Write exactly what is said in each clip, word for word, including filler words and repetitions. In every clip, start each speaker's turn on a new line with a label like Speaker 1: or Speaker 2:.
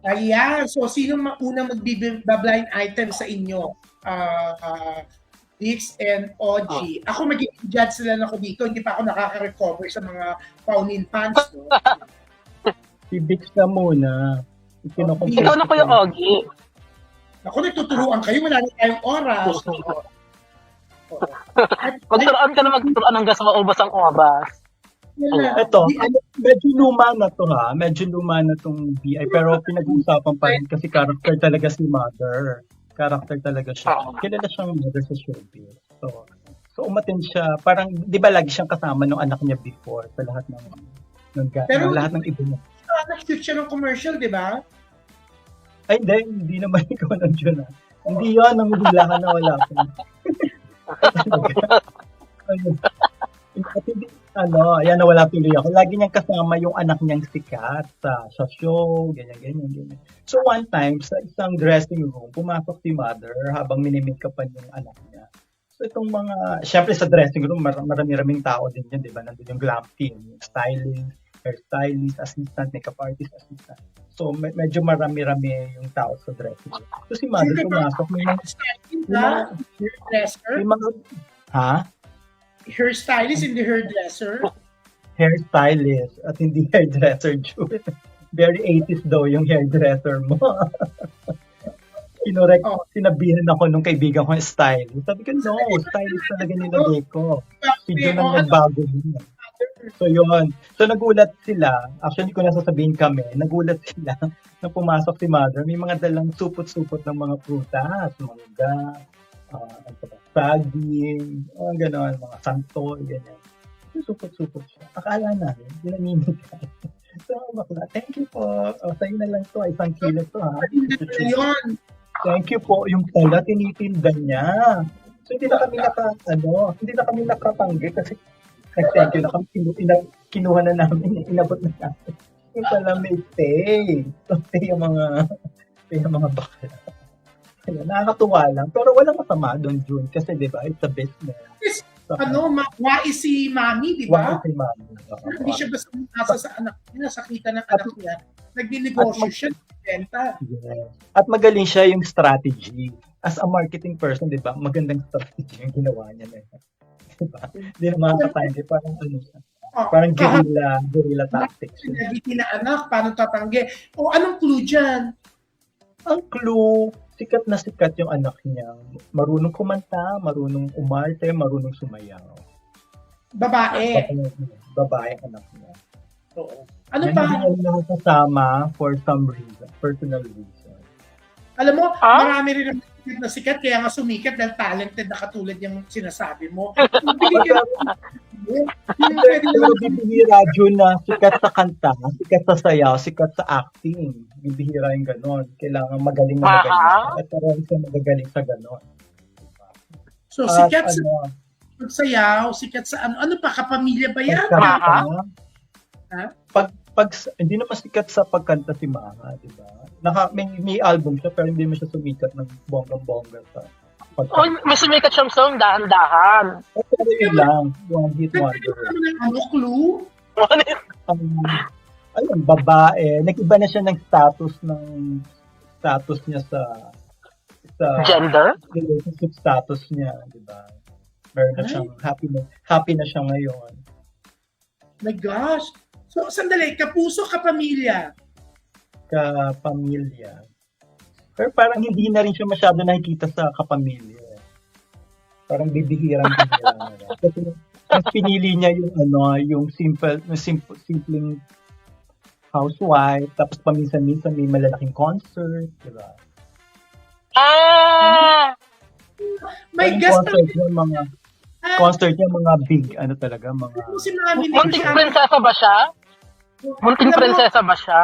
Speaker 1: Ayan. So, sino ma- unang magbiblind item sa inyo? Uh, uh, Dix and O G.
Speaker 2: Oh.
Speaker 1: Ako magiging judge lang ako dito. Hindi pa ako nakaka-recover sa mga Paunin fans. No?
Speaker 3: Si Dix na muna.
Speaker 1: Oh,
Speaker 2: ikaw na po yung Ogie.
Speaker 1: Ako, nagtuturuan kayo. Wala na tayong oras.
Speaker 2: Magturuan ka na magturuan hanggang sa maubos ang oras.
Speaker 1: Yeah.
Speaker 3: Ito, medyo luma na to ha. Medyo luma na tong B I. Pero pinag-uusapan pa rin kasi character talaga si Mother. Character talaga siya. Kilala siyang mother sa showbiz. So, so umatin siya. Parang, di ba lagi siyang kasama ng anak niya before sa lahat ng, ng,
Speaker 1: Pero,
Speaker 3: ng lahat ng iba niya.
Speaker 1: Nag-shoot siya ng commercial, di ba?
Speaker 3: Ay, hindi. Hindi naman ikaw nandiyan ha. Hindi yun. Nanguhula ka na wala ko. At hindi, ano, ayan, nawala tuloy ako. Lagi niyang kasama yung anak niyang sikat sa, sa show, ganyan, ganyan, ganyan. So one time, sa isang dressing room, pumasok si Mother habang minimake-upan yung anak niya. So itong mga, syempre sa dressing room, mar- marami-raming tao din yan, di ba? Nandun yung glam team, yung styling, hairstylist, assistant, makeup artist, assistant. So med- medyo marami-rami yung tao sa dressing room. So si Mother pumasok, may mga,
Speaker 1: hairdresser?
Speaker 3: may mga, ha?
Speaker 1: Hairstylist, hindi hairdresser?
Speaker 3: Hairstylist at hindi hairdresser, Jude. Very eighties daw yung hairdresser mo. Kinorek, oh. Sinabihan ako nung kaibigan ko yung stylist. Sabi ko, no, stylist talaga nilagay ko. Si Jun ang nagbago niya. So yun. So nagulat sila. Actually, ko nasasabihin kami, nagulat sila na pumasok si Mother. May mga dalang supot-supot ng mga prutas, mangga, uh, saging, uh, gano'n, mga santol, gano'n. Supot-supot siya. Akala namin, ginamimig ka. So, bakla, thank you po. O, sa'yo na lang to. Isang kilo to, ha?
Speaker 1: Yun.
Speaker 3: Thank you po. Yung pala, tinitinda niya. So, hindi na kami naka, ano, hindi na kami nakapanggi kasi nag-thank you na kami. Kinu- ina- kinuha na namin, inabot na namin. Yung pala may pay. So, pay yung mga, pay yung mga bakla. Kaya, nakakatuwa lang. Pero walang masama doon, June. Kasi, di ba, it's a business.
Speaker 1: Yes. Ano, ma- wais si Mami, di ba?
Speaker 3: Wais si Mami.
Speaker 1: Hindi siya basta nasa sa anak niya, nakita ng anak niya. Nagdi-negosyo siya, benta.
Speaker 3: Yes. At magaling siya yung strategy. As a marketing person, di ba, magandang strategy yung ginawa niya na yun. Diba? Hindi na makakatanggi. Parang ano siya. Oh, parang guerrilla, guerrilla tactics.
Speaker 1: Nagiti na anak, paano tatanggi? O anong clue dyan?
Speaker 3: Ang clue, sikat na sikat yung anak niya. Marunong kumanta, marunong umarte, marunong sumayaw.
Speaker 1: Babae.
Speaker 3: Babae ang anak niya.
Speaker 1: Oo. Ano
Speaker 3: pa? Hindi niya kasama for some reason, personal reason.
Speaker 1: Alam mo, ah? Marami rin ang sikat na sikat, kaya nga sumikat dahil talented na katulad yung sinasabi mo.
Speaker 3: Pero bibihira Jun na sikat sa kanta, sikat sa sayaw, sikat sa acting. Bibihira yung ganon. Kailangan magaling na magaling. Uh-huh. At parang siya magagaling sa ganon.
Speaker 1: So, uh, sikat sa ano, sayaw, sikat sa ano, ano pa, kapamilya ba yan?
Speaker 3: Uh-huh. Ha? Pag, pag, hindi naman sikat sa pagkanta si Maha, di ba? Naka, may, may album siya, pero hindi mo siya sumikat ng bonggang-bongga sa
Speaker 2: pagkanta. Oh, may sumikat siyang song, dahan-dahan.
Speaker 3: Pero yun lang, one hit wonder.
Speaker 1: Ano, clue?
Speaker 3: Um, ayun, babae. Nag-iba na siya ng status ng status niya sa sa
Speaker 2: gender?
Speaker 3: Relationship status niya, di ba? Meron na siyang happy na, happy na siya ngayon.
Speaker 1: My gosh. So, sandali, kapuso, kapamilya?
Speaker 3: Kapamilya. Pero parang hindi na rin siya masyado nakikita sa kapamilya. Parang bibihirang bibihirang. Kasi mas pinili niya yung ano, yung simple, yung simple, simpleng housewife, tapos paminsan-minsan may malalaking concert, di ba?
Speaker 2: Ah!
Speaker 1: My guess
Speaker 3: concert yung mga ah, concert yung mga big, ano talaga, mga...
Speaker 1: Si Mami,
Speaker 2: munting prinsesa ba siya? Munting prinsesa ba siya?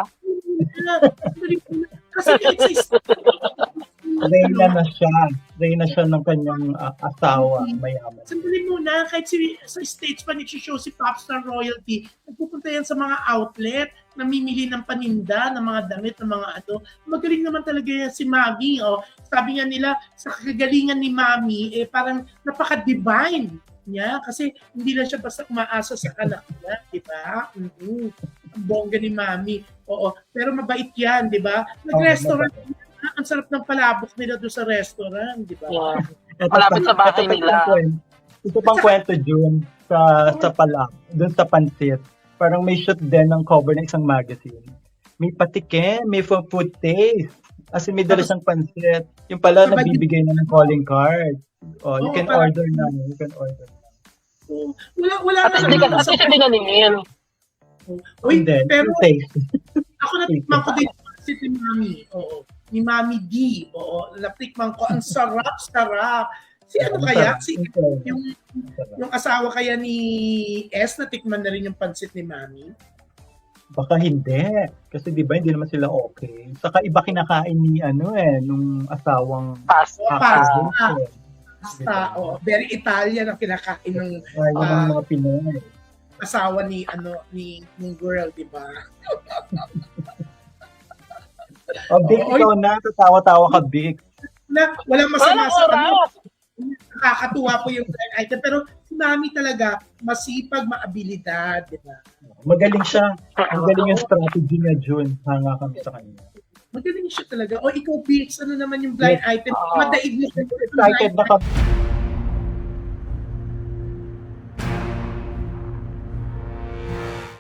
Speaker 1: Kasi it's
Speaker 3: Reyna na siya. Reyna siya ng kanyang uh, asawa, mayaman.
Speaker 1: Sandali muna, kahit si, sa stage pa nag-show si Popstar Royalty, nagpupunta yan sa mga outlet, namimili ng paninda, ng mga damit, ng mga ano. Magaling naman talaga yan si Mami. Oh. Sabi nga nila, sa kagalingan ni Mami, eh, parang napaka-divine niya kasi hindi lang siya basta umaasa sa anak niya, di ba? Mm-hmm. Ang bongga ni Mami. Oo, pero mabait yan, di ba? Nag-restaurant, ah, ang sarap ng palabok nila doon sa restaurant, di ba?
Speaker 2: Yeah.
Speaker 3: Ito
Speaker 2: Malapit
Speaker 3: pa-
Speaker 2: sa bahay
Speaker 3: ito pa
Speaker 2: nila.
Speaker 3: isang kwento. Ito pang kwento, June, sa, sa palak, dun sa pansit. Parang may shoot din ng cover ng isang magazine. May patikin, may for food taste. As in, may dala siyang pansit. Yung pala,
Speaker 1: Sabay-
Speaker 3: nagbibigay na ng calling card. Oh, you
Speaker 1: Oo,
Speaker 3: can
Speaker 1: parang-
Speaker 3: order na. You can order.
Speaker 1: Oo, wala, wala
Speaker 2: At
Speaker 1: nga
Speaker 2: hindi ka,
Speaker 1: naman
Speaker 2: at
Speaker 1: sa...
Speaker 2: least hindi naningin.
Speaker 1: Uy,
Speaker 3: And then,
Speaker 1: pero
Speaker 3: yung taste.
Speaker 1: ako natikman ko din si ni Mami. Oo. Ni Mami D. Oo. Natikman ko. Ang sarap, sarap. Si ano kaya? Si yung, yung asawa kaya ni S, natikman na rin yung pansit ni Mami?
Speaker 3: Baka hindi. Kasi di ba, hindi naman sila okay. Saka iba kinakain ni ano eh, nung asawang
Speaker 2: Pasta.
Speaker 1: Oh,
Speaker 3: actor.
Speaker 1: pasta.
Speaker 3: eh.
Speaker 1: Basta, oh, very Italian ang kinakain ng
Speaker 3: Ayaw ng
Speaker 1: Ah.
Speaker 3: mga Pinoy.
Speaker 1: asawa ni ano ni ng girl, di ba?
Speaker 3: O, Vic,
Speaker 1: Oo,
Speaker 3: ikaw na. Tatawa-tawa ka, Vic.
Speaker 1: Na, walang masama
Speaker 2: Walang
Speaker 1: sa ano.
Speaker 2: oras.
Speaker 1: Nakakatuwa po yung blind item. Pero si Mami talaga, masipag, maabilidad, di ba?
Speaker 3: Magaling siya. Magaling yung strategy niya, June. Hanga kami sa kanya.
Speaker 1: Magaling siya talaga. O ikaw, Bix, ano naman yung blind item?
Speaker 2: Oo.
Speaker 1: Madaig mo.
Speaker 3: Excited na kami.